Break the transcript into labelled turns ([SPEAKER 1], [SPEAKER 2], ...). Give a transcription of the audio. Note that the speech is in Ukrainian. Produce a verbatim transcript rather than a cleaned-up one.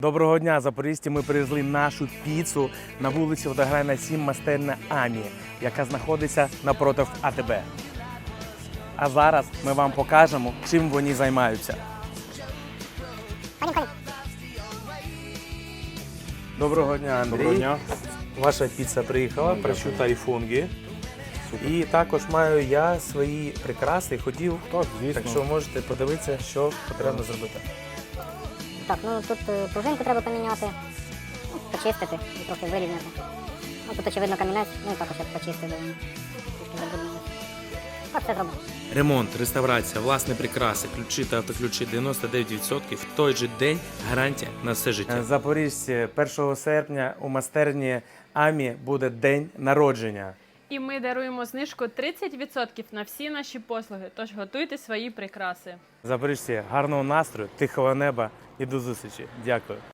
[SPEAKER 1] Доброго дня, запоріжці! Ми привезли нашу піцу на вулиці Водограйна, сім, майстерня Амі, яка знаходиться напроти АТБ. А зараз ми вам покажемо, чим вони займаються. Доброго дня, Андрій.
[SPEAKER 2] Доброго дня.
[SPEAKER 1] Ваша піца приїхала, прощута і фунгі. І також маю я свої прикраси, хотів,
[SPEAKER 2] Так, звісно.
[SPEAKER 1] так що можете подивитися, що потрібно зробити.
[SPEAKER 3] Так, ну тут е, пружинку треба поміняти, ну, почистити і трохи вирівняти. Ну тут очевидно камінець, ну і також я почистив, бо він трішки забруднений. Так, все зроблено.
[SPEAKER 1] Ремонт, реставрація, власні прикраси, ключі та автоключі дев'яносто дев'ять відсотків в той же день, гарантія на все життя. Запоріжці, першого серпня у майстерні Амі буде день народження.
[SPEAKER 4] І ми даруємо знижку тридцять відсотків на всі наші послуги, тож готуйте свої прикраси.
[SPEAKER 1] Запоріжці, гарного настрою, тихого неба і до зустрічі. Дякую.